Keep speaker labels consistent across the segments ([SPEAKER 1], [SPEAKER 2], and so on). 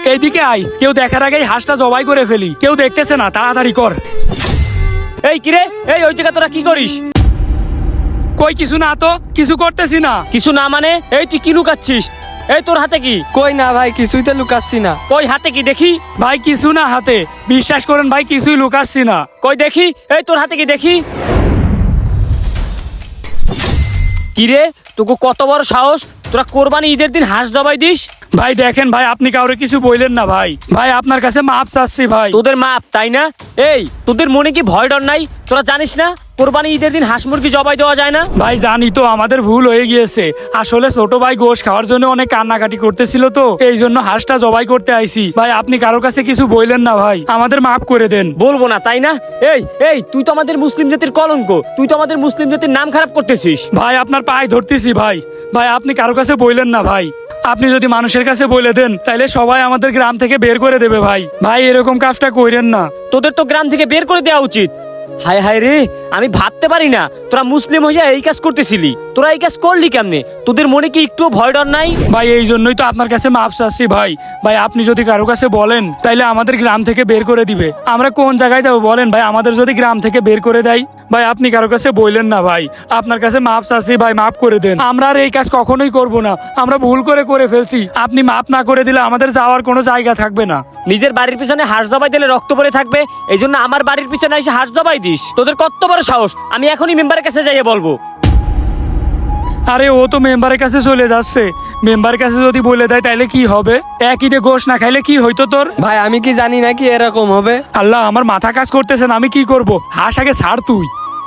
[SPEAKER 1] এইদিকে আয়, কেউ দেখার আগেই হাঁসটা জবাই করে ফেলি। কেউ দেখতেছে না, তাড়াতাড়ি কর।
[SPEAKER 2] এই কিরে, এই ওই জায়গা তোরা কি করিস?
[SPEAKER 1] কই কিছু না তো, কিছু করতেছি না।
[SPEAKER 2] কিছু না মানে? এই তুই কি লুকাচ্ছিস? এই তোর হাতে কি?
[SPEAKER 3] কই না ভাই, কিছুই তো লুকাচ্ছি না।
[SPEAKER 2] কই হাতে কি দেখি?
[SPEAKER 1] ভাই কিছু না হাতে, বিশ্বাস করেন ভাই, কিছুই লুকাচ্ছি না।
[SPEAKER 2] কই দেখি, এই তোর হাতে কি দেখি? কিরে, তোকে কত বড় সাহস, তোরা কোরবানি ঈদের দিন হাঁস জবাই দিস?
[SPEAKER 1] ভাই দেখেন ভাই, আপনি কাউরে কিছু বললেন না ভাই। ভাই আপনার কাছে মাপ চাচ্ছি ভাই।
[SPEAKER 2] তোদের মাপ তাই না? এই তোদের মনে কি ভয় ডর নাই? তোরা জানিস না কোরবানি ঈদের দিন হাঁস মুরগি জবাই দেওয়া যায় না?
[SPEAKER 1] ভাই জানি তো, আমাদের ভুল হয়ে গিয়েছে। আসলে ছোট ভাই গোশ খাওয়ার জন্য অনেক কান্নাকাটি করতেছিল, তো এই জন্য হাঁসটা জবাই করতে আইছি। ভাই আপনি কারোর কাছে কিছু বললেন না ভাই, আমাদের মাফ করে দেন।
[SPEAKER 2] বলবো না তাই না? এই এই তুই তো আমাদের মুসলিম জাতির কলঙ্ক, তুই তো আমাদের মুসলিম জাতির নাম খারাপ করতেছিস।
[SPEAKER 1] ভাই আপনার পায়ে ধরতেছি ভাই। ভাই আপনি কারোর কাছে বললেন না ভাই। আপনি যদি মানুষের কাছে বলে দেন তাহলে সবাই আমাদের গ্রাম থেকে বের করে দেবে ভাই। ভাই এরকম কাজটা কইরেন না।
[SPEAKER 2] তোদের তো গ্রাম থেকে বের করে দেওয়া উচিত। হায় হায় রে, আমি ভাবতে পারি না তোরা মুসলিম হইয়া এই কাজ করতেছিলি। তোরা এই কাজ করলি কেমনে? তোদের মনে কি একটু ভয় ডর নাই?
[SPEAKER 1] ভাই এই জন্যই তো আপনার কাছে মাপ চাচ্ছি ভাই। ভাই আপনি যদি কারো কাছে বলেন তাইলে আমাদের গ্রাম থেকে বের করে দিবে। আমরা কোন জায়গায় যাবো বলেন ভাই, আমাদের যদি গ্রাম থেকে বের করে দেয়? ভাই আপনি কারো কাছে বললেন না ভাই, আপনার কাছে মাপ চাচ্ছি ভাই, মাফ করে দেন। আমরা আর এই কাজ কখনোই করব না, আমরা ভুল করে ফেলছি। আপনি মাফ না করে দিলে আমাদের যাওয়ার কোনো জায়গা থাকবে না।
[SPEAKER 2] নিজের বাড়ির পিছনে হাঁস জবাই দিলে রক্ত পড়ে থাকবে, এই জন্য আমার বাড়ির পিছনে এসে হাঁস জবাই দিস? তোদের কত বড় সাহস! আমি এখনই মেম্বারের কাছে যাইয়ে বলবো।
[SPEAKER 1] আরে ও তো মেম্বারের কাছে চলে যাচ্ছে। মেম্বারের কাছে যদি বলে দেয় তাইলে কি হবে? একই দিয়ে গোশ না খাইলে কি হইতো তোর?
[SPEAKER 3] ভাই আমি কি জানি নাকি এরকম হবে?
[SPEAKER 1] আল্লাহ, আমার মাথা কাজ করতেছে না, আমি কি করব? হাঁস আগে ছাড় তুই।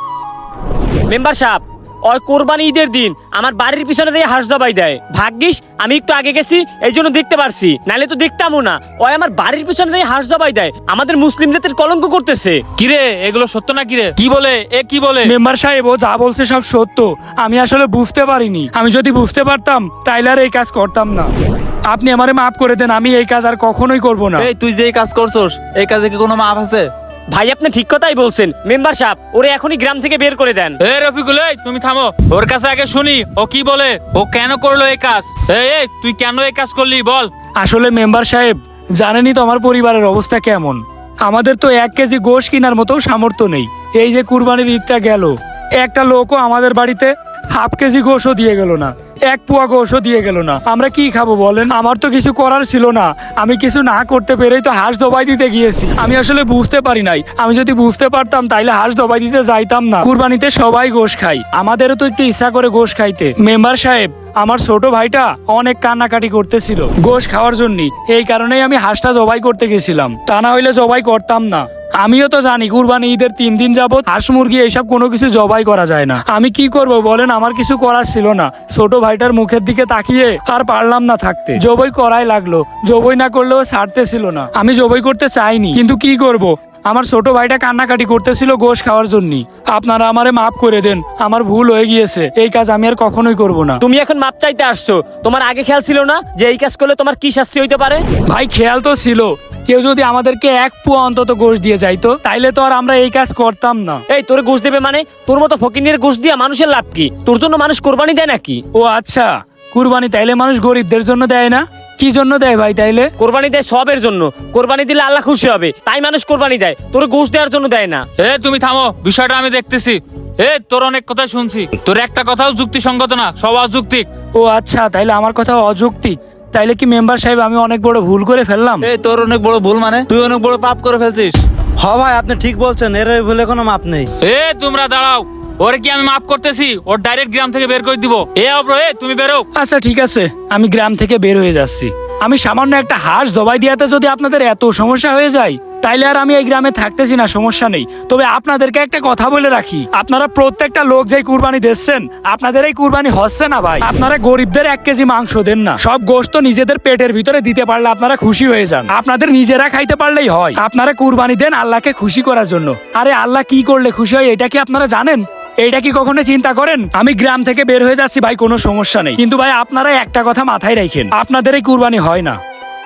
[SPEAKER 2] মেম্বার সাহেব, ওই কোরবানি ঈদের দিন আমার বাড়ির পিছনে দিয়ে হাঁস জবাই দেয়। ভাগ্যিস আমি একটু আগে গেছি, এই জন্য দেখতে পারছি, নাহলে তো দেখতামও না। ওই আমার বাড়ির পিছনে দিয়ে হাঁস জবাই দেয়, আমাদের মুসলিম জাতির কলঙ্ক করতেছে।
[SPEAKER 4] কিরে এগুলো সত্য না? কিরে কি বলে, এ কি বলে?
[SPEAKER 1] মেম্বার সাহেব ও যা বলছে সব সত্য। আমি আসলে বুঝতে পারিনি। আমি যদি বুঝতে পারতাম তাইলে আর এই কাজ করতাম না। আপনি আমারে মাফ করে দেন, আমি এই কাজ আর কখনোই করব না।
[SPEAKER 4] এই তুই যে এই কাজ করছস, এই কাজে কি কোনো মাপ আছে?
[SPEAKER 2] ভাই আপনি ঠিক কথাই বলছেন। মেম্বার সাহেব, ওরে এখনই গ্রাম থেকে বের করে দেন।
[SPEAKER 4] এ রফিকুল, এই তুমি থামো, ওর কাছে আগে শুনি ও কি বলে, ও কেন করলো এই কাজ। এই তুই কেন এই কাজ করলি বল।
[SPEAKER 1] আসলে মেম্বার সাহেব, জানেনই তো আমার পরিবারের অবস্থা কেমন। আমাদের তো 1 কেজি গোশ কেনার মতো সামর্থ্য নেই। এই যে কুরবানির ঈদটা গেল, একটা লোকও আমাদের বাড়িতে হাফ কেজি গোশও দিয়ে গেল না, 1 পোয়া গোশও দিয়ে গেল না। আমরা কি খাবো বলেন? আমার তো কিছু করার ছিল না, আমি কিছু না করতে পেরেই তো হাঁস দবাই দিতে গিয়েছি। আমি আসলে বুঝতে পারি নাই। আমি যদি বুঝতে পারতাম তাইলে হাঁস দবাই দিতে যাইতাম না। কুরবানিতে সবাই গোশ খাই, আমাদেরও তো একটু ইচ্ছা করে গোশ খাইতে। মেম্বার সাহেব, আমার ছোট ভাইটা অনেক কান্নাকাটি করতেছিল গোশ খাওয়ার জন্য, এই কারণেই আমি হাঁসটা জবাই করতে গেছিলাম, তা না হইলে জবাই করতাম না। আমিও তো জানি কুরবানি ঈদের 3 দিন যাবত হাঁস মুরগি এইসব কোনো কিছু জবাই করা যায় না। আমি কি করব বলেন? আমার কিছু করার ছিল না। ছোট ভাইটার মুখের দিকে তাকিয়ে আর পারলাম না থাকতে, জবাই করাই লাগলো। জবাই না করলেও ছাড়তেছিল না। আমি জবাই করতে চাইনি, কিন্তু কি করব, আমার ছোট ভাইটা কান্নাকাটি করতেছিল গোশ খাওয়ার জন্য। আপনারা আমারে মাফ করে দেন, আমার ভুল হয়ে গিয়েছে। এই কাজ আমি আর কখনোই করব না।
[SPEAKER 2] তুমি এখন মাপ চাইতে আসছো, তোমার আগে খেয়াল ছিল না যে এই কাজ করলে তোমার কি শাস্তি হইতে পারে?
[SPEAKER 1] ভাই খেয়াল তো ছিল, কেউ যদি আমাদেরকে 1 পোয়া অন্তত গোশ দিয়ে যাইতো তাইলে তো আর আমরা এই কাজ করতাম না।
[SPEAKER 2] এই তোরে গোশ দেবে মানে? তোর মতো ফকিনের গোশ দিয়া মানুষের লাভ কি? তোর জন্য মানুষ কোরবানি দেয় নাকি?
[SPEAKER 1] ও আচ্ছা, কুরবানি তাইলে মানুষ গরিবদের জন্য দেয় না? কি জন্য দেয় ভাই তাইলে?
[SPEAKER 2] কোরবানি দেয় সবের জন্য। কোরবানি দিলে আল্লাহ খুশি হবে, তাই মানুষ কোরবানি দেয়। তোর গোশ দেওয়ার জন্য দেয় না।
[SPEAKER 4] তুমি থামো, বিষয়টা আমি দেখতেছি। তোর অনেক কথা শুনছি, তোর একটা কথাও যুক্তিসঙ্গত না, সব অযৌক্তিক।
[SPEAKER 1] ও আচ্ছা, তাইলে আমার কথা অযৌক্তিক। তাইলে কি মেম্বার সাহেব আমি অনেক বড় ভুল করে ফেললাম?
[SPEAKER 4] তোর অনেক বড় ভুল মানে? তুই অনেক বড় পাপ করে ফেলছিস।
[SPEAKER 3] হ ভাই আপনি ঠিক বলছেন, এর ভুলে কোনো মাপ নেই।
[SPEAKER 4] তোমরা দাঁড়াও, ওরে কি আমি মাফ করতেছি? ওর ডাইরেক্ট গ্রাম থেকে বের করে দিব। অব্র, তুমি বেরো।
[SPEAKER 1] আচ্ছা ঠিক আছে, আমি গ্রাম থেকে বের হয়ে যাচ্ছি। আমি সামান্য একটা হাঁস জবাই দিয়াতে যদি আপনাদের এত সমস্যা হয়ে যায় তাইলে আর আমি এই গ্রামে থাকতেছি না, সমস্যা নেই। তবে আপনাদেরকে একটা কথা বলে রাখি, আপনারা প্রত্যেকটা লোক যে কুরবানি দিচ্ছেন, আপনাদের এই কুরবানি হচ্ছে না ভাই। আপনারা গরিবদের 1 কেজি মাংস দেন না, সব গোশত নিজেদের পেটের ভিতরে দিতে পারলে আপনারা খুশি হয়ে যান। আপনাদের নিজেরা খাইতে পারলেই হয়। আপনারা কুরবানি দেন আল্লাহকে খুশি করার জন্য। আরে আল্লাহ কি করলে খুশি হয় এটা কি আপনারা জানেন? এইটা কি কখনো চিন্তা করেন? আমি গ্রাম থেকে বের হয়ে যাচ্ছি ভাই, কোনো সমস্যা নেই, কিন্তু ভাই আপনারা একটা কথা মাথায় রাখেন, আপনাদের এই কুরবানি হয় না।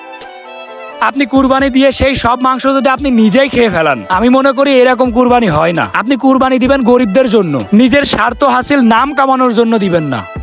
[SPEAKER 1] আপনি কুরবানি দিয়ে সেই সব মাংস যদি আপনি নিজেই খেয়ে ফেলান, আমি মনে করি এরকম কুরবানি হয় না। আপনি কুরবানি দিবেন গরিবদের জন্য, নিজের স্বার্থ হাসিল নাম কামানোর জন্য দিবেন না।